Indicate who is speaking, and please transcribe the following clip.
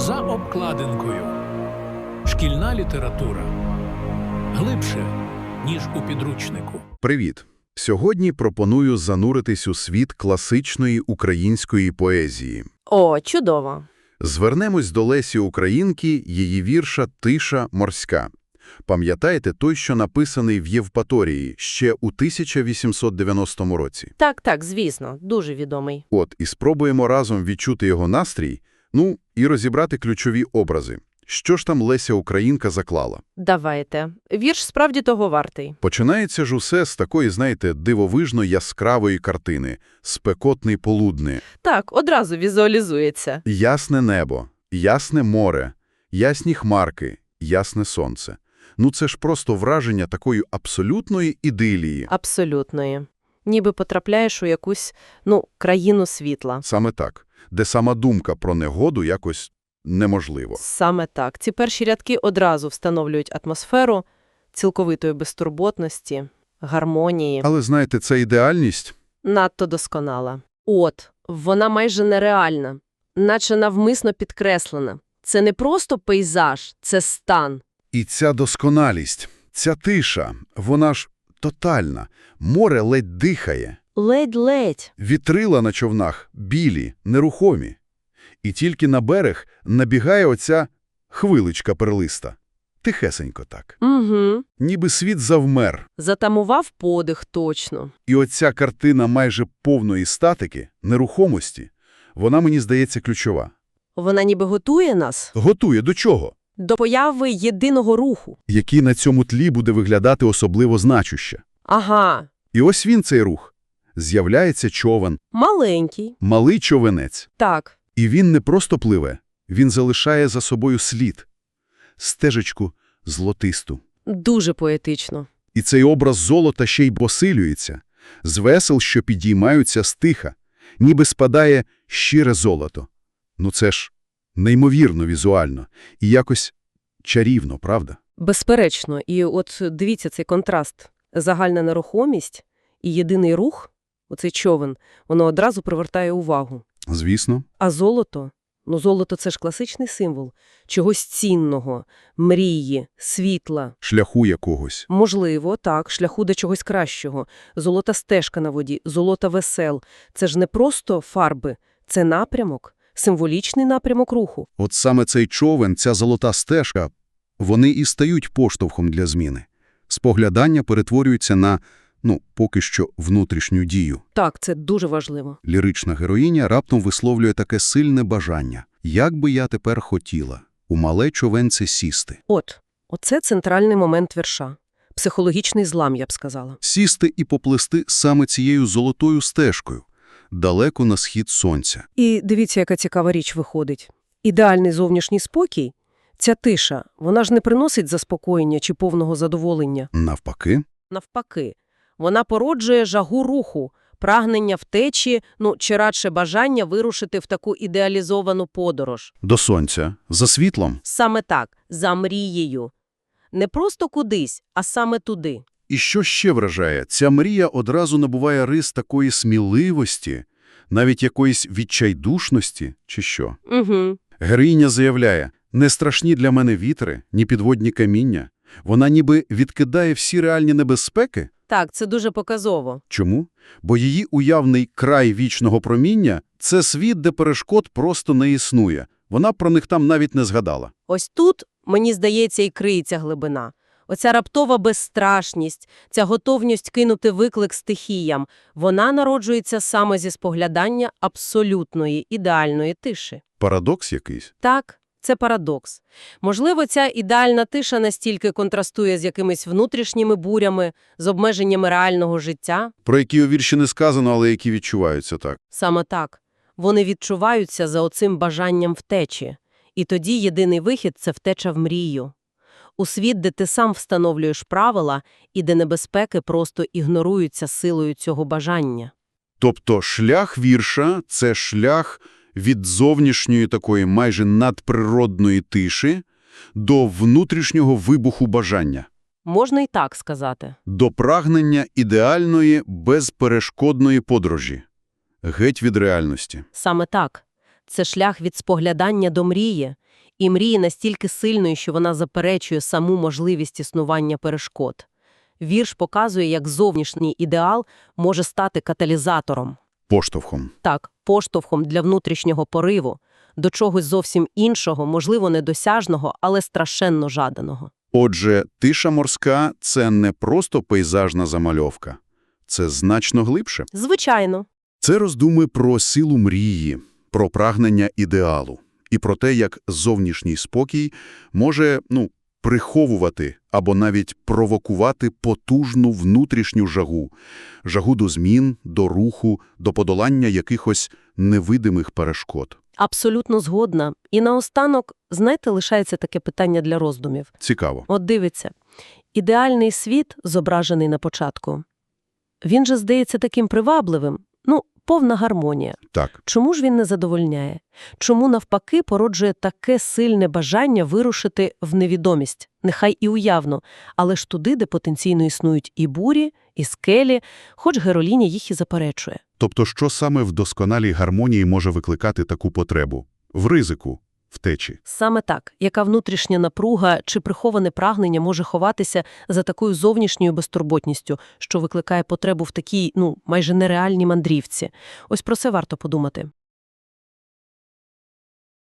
Speaker 1: За обкладинкою. Шкільна література. Глибше, ніж у підручнику.
Speaker 2: Привіт! Сьогодні пропоную зануритись у світ класичної української поезії.
Speaker 3: О, чудово.
Speaker 2: Звернемось до Лесі Українки, її вірша «Тиша морська». Пам'ятаєте той, що написаний в Євпаторії ще у 1890 році?
Speaker 3: Так, звісно, дуже відомий.
Speaker 2: От, і спробуємо разом відчути його настрій, і розібрати ключові образи. Що ж там Леся Українка заклала?
Speaker 3: Давайте. Вірш справді того вартий.
Speaker 2: Починається ж усе з такої, дивовижно яскравої картини – «Спекотний полудни».
Speaker 3: Так, одразу візуалізується.
Speaker 2: Ясне небо, ясне море, ясні хмарки, ясне сонце. Це ж просто враження такої абсолютної ідилії.
Speaker 3: Абсолютної. Ніби потрапляєш у якусь, країну світла.
Speaker 2: Саме так, де сама думка про негоду якось неможливо.
Speaker 3: Саме так. Ці перші рядки одразу встановлюють атмосферу цілковитої безтурботності, гармонії.
Speaker 2: Але, знаєте, ця ідеальність...
Speaker 3: Надто досконала. Вона майже нереальна, наче навмисно підкреслена. Це не просто пейзаж, це стан.
Speaker 2: І ця досконалість, ця тиша, вона ж тотальна. Море ледь дихає.
Speaker 3: Ледь-ледь.
Speaker 2: Вітрила на човнах білі, нерухомі. І тільки на берег набігає оця хвиличка перлиста. Тихесенько так.
Speaker 3: Угу.
Speaker 2: Ніби світ завмер.
Speaker 3: Затамував подих точно.
Speaker 2: І оця картина майже повної статики, нерухомості, вона, мені здається, ключова.
Speaker 3: Вона ніби готує нас
Speaker 2: Готує до чого?
Speaker 3: до появи єдиного руху.
Speaker 2: Який на цьому тлі буде виглядати особливо значуще.
Speaker 3: Ага.
Speaker 2: І ось він, цей рух. З'являється човен,
Speaker 3: Маленький.
Speaker 2: малий човенець.
Speaker 3: Так.
Speaker 2: І він не просто пливе, він залишає за собою слід. Стежечку золотисту.
Speaker 3: Дуже поетично.
Speaker 2: І цей образ золота ще й посилюється. З весел, що підіймаються стиха, ніби спадає щире золото. Це ж неймовірно візуально. І якось чарівно, правда?
Speaker 3: Безперечно. І от дивіться цей контраст. Загальна нерухомість і єдиний рух, оцей човен, воно одразу привертає увагу.
Speaker 2: Звісно.
Speaker 3: А золото? Золото – це ж класичний символ чогось цінного, мрії, світла.
Speaker 2: Шляху якогось.
Speaker 3: Можливо, так, шляху до чогось кращого. Золота стежка на воді, золота весел. Це ж не просто фарби, це напрямок, символічний напрямок руху.
Speaker 2: От саме цей човен, ця золота стежка, вони і стають поштовхом для зміни. Споглядання перетворюється на, поки що, внутрішню дію.
Speaker 3: Так, це дуже важливо.
Speaker 2: Лірична героїня раптом висловлює таке сильне бажання. Як би я тепер хотіла у мале човенце сісти.
Speaker 3: Оце центральний момент вірша. Психологічний злам, я б сказала.
Speaker 2: Сісти і поплисти саме цією золотою стежкою, далеко на схід сонця.
Speaker 3: І дивіться, яка цікава річ виходить. Ідеальний зовнішній спокій, ця тиша, вона ж не приносить заспокоєння чи повного задоволення.
Speaker 2: Навпаки.
Speaker 3: Навпаки, вона породжує жагу руху, прагнення втечі, чи радше бажання вирушити в таку ідеалізовану подорож.
Speaker 2: До сонця. За світлом.
Speaker 3: Саме так, за мрією. Не просто кудись, а саме туди.
Speaker 2: І що ще вражає? Ця мрія одразу набуває рис такої сміливості, навіть якоїсь відчайдушності, чи що.
Speaker 3: Угу.
Speaker 2: Героїня заявляє, не страшні для мене вітри, ні підводні каміння. Вона ніби відкидає всі реальні небезпеки.
Speaker 3: Так, це дуже показово.
Speaker 2: Чому? Бо її уявний край вічного проміння – це світ, де перешкод просто не існує. Вона про них там навіть не згадала.
Speaker 3: Ось тут, мені здається, і криється глибина. Оця раптова безстрашність, ця готовність кинути виклик стихіям, вона народжується саме зі споглядання абсолютної, ідеальної тиші.
Speaker 2: Парадокс якийсь?
Speaker 3: Так, це парадокс. Можливо, ця ідеальна тиша настільки контрастує з якимись внутрішніми бурями, з обмеженнями реального життя.
Speaker 2: Про які у вірші не сказано, але які відчуваються так.
Speaker 3: Саме так. Вони відчуваються за оцим бажанням втечі. І тоді єдиний вихід – це втеча в мрію. У світ, де ти сам встановлюєш правила і де небезпеки просто ігноруються силою цього бажання.
Speaker 2: Тобто шлях вірша – це шлях від зовнішньої такої майже надприродної тиші до внутрішнього вибуху бажання.
Speaker 3: Можна і так сказати.
Speaker 2: До прагнення ідеальної, безперешкодної подорожі. Геть від реальності.
Speaker 3: Саме так. Це шлях від споглядання до мрії. І мрії настільки сильної, що вона заперечує саму можливість існування перешкод. Вірш показує, як зовнішній ідеал може стати каталізатором.
Speaker 2: Поштовхом.
Speaker 3: Так, поштовхом для внутрішнього пориву, до чогось зовсім іншого, можливо, недосяжного, але страшенно жаданого.
Speaker 2: Отже, тиша морська – це не просто пейзажна замальовка. Це значно глибше.
Speaker 3: Звичайно.
Speaker 2: Це роздуми про силу мрії, про прагнення ідеалу і про те, як зовнішній спокій може, приховувати або навіть провокувати потужну внутрішню жагу. Жагу до змін, до руху, до подолання якихось невидимих перешкод.
Speaker 3: Абсолютно згодна. І наостанок, знаєте, лишається таке питання для роздумів.
Speaker 2: Цікаво.
Speaker 3: От дивіться, ідеальний світ, зображений на початку, він же здається таким привабливим, повна гармонія.
Speaker 2: Так.
Speaker 3: Чому ж він не задовольняє? Чому, навпаки, породжує таке сильне бажання вирушити в невідомість? Нехай і уявно, але ж туди, де потенційно існують і бурі, і скелі, хоч героїня їх і заперечує.
Speaker 2: Тобто, що саме в досконалій гармонії може викликати таку потребу? В ризику, втечі.
Speaker 3: Саме так. Яка внутрішня напруга чи приховане прагнення може ховатися за такою зовнішньою безтурботністю, що викликає потребу в такій, майже нереальній мандрівці? Ось про це варто подумати.